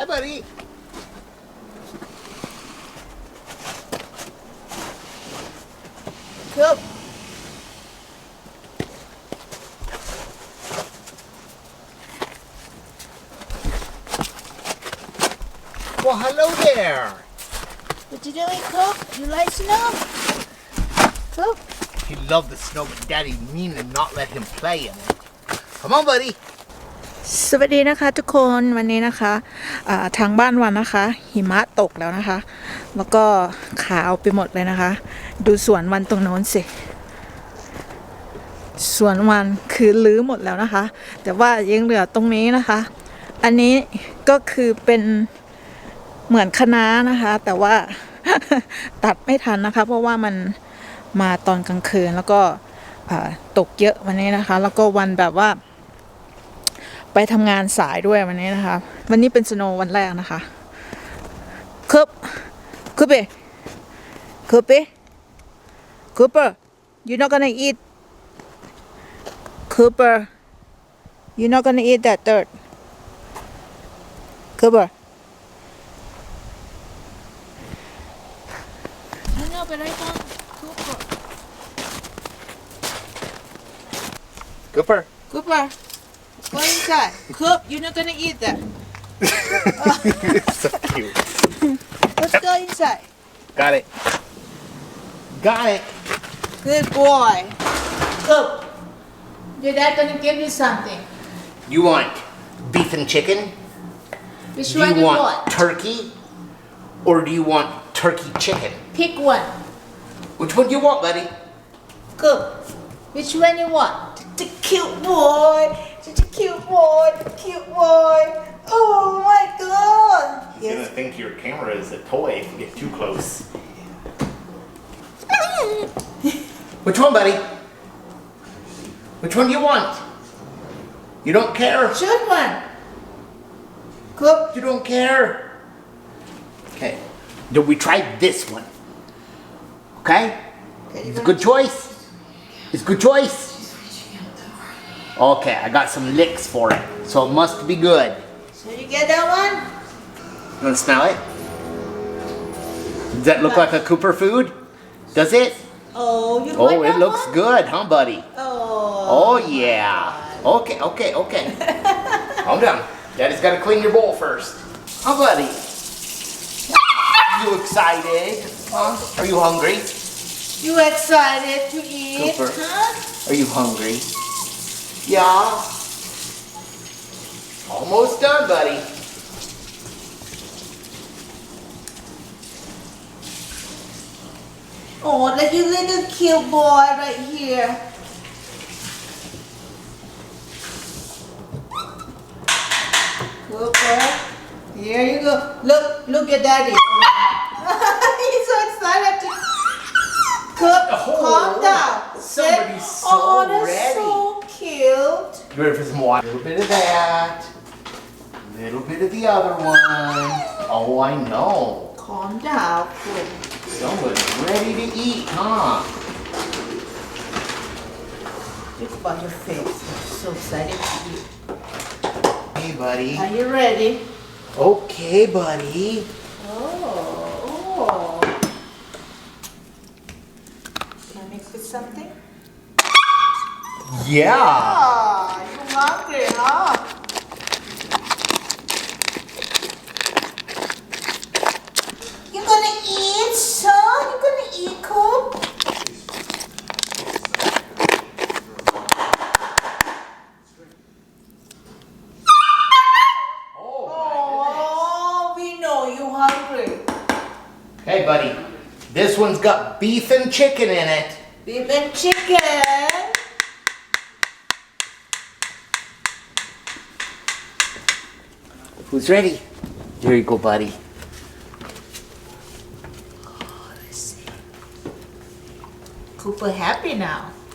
buddy. Coop. Well, hello there. What you doing, Coop? You like snow? Coop. He loved the snow, but Daddy mean to not let him play in it. Come on, buddy. สวัสดีนะคะทุกคนวันนี้นะคะทางบ้านวันนะคะหิมะตกแล้วนะคะแล้วก็ขาวไปหมดเลยนะคะดูสวนวันตรงโน้นสิสวนวันคือลื้อหมดแล้วนะคะแต่ว่ายังเหลือตรงนี้นะคะอันนี้ก็คือเป็นเหมือนคะน้านะคะแต่ว่า ตัดไม่ทันนะคะเพราะว่ามันมาตอนกลางคืนแล้วก็ตกเยอะวันนี้นะคะแล้วก็วันแบบว่าไปทำงานสายด้วยวันนี้นะคะวันนี้เป็นสโนว์วันแรกนะคะคูเปyou're not gonna eat Cooper you're not gonna eat that dirt Cooper เอาไปเลยก่อน Cooper go inside Coop you're not gonna eat that So cute. let's go inside Got it. Got it. good boy Coop your dad gonna give you something You want beef and chicken? which Do one you you want want turkey? Or do you want turkey chicken? pick one Which one do you want, buddy? Coop which one you want the cute boy such a cute boy oh my god He's gonna think your camera is a toy if you get too close. Which one, buddy? Which one do you want? You don't care? choose one Coop You don't care? Okay. Then we try this one. Okay? It's a good choice. It's a good choice. Okay, I got some licks for it, so it must be good. so you get that one You wanna smell it? Does that look like a Cooper food? Does it? oh you Oh, like it that looks one? good, huh, buddy? oh Oh, yeah. Okay. Calm down. Daddy's gotta clean your bowl first. Huh, buddy? You excited? Huh? Are you hungry? you excited to eat Cooper. huh Are you hungry? Yeah. Almost done, buddy. oh look you little cute boy right here Cooper here you go look at daddy he's so excited to Coop calm down Somebody's so oh that's ready. so cute You ready for some water? A little bit of that. A little bit of the other one. Oh, I know. calm down Coop Someone's ready to eat, huh? look about your face you're so excited to eat Hey, buddy. are you ready Okay, buddy. oh can I mix with something Yeah. you hungry huh you gonna eat son you gonna eat Coop oh we know you hungry Hey, buddy. This one's got beef and chicken in it. beef and chicken Who's ready? There you go, buddy. Cooper happy now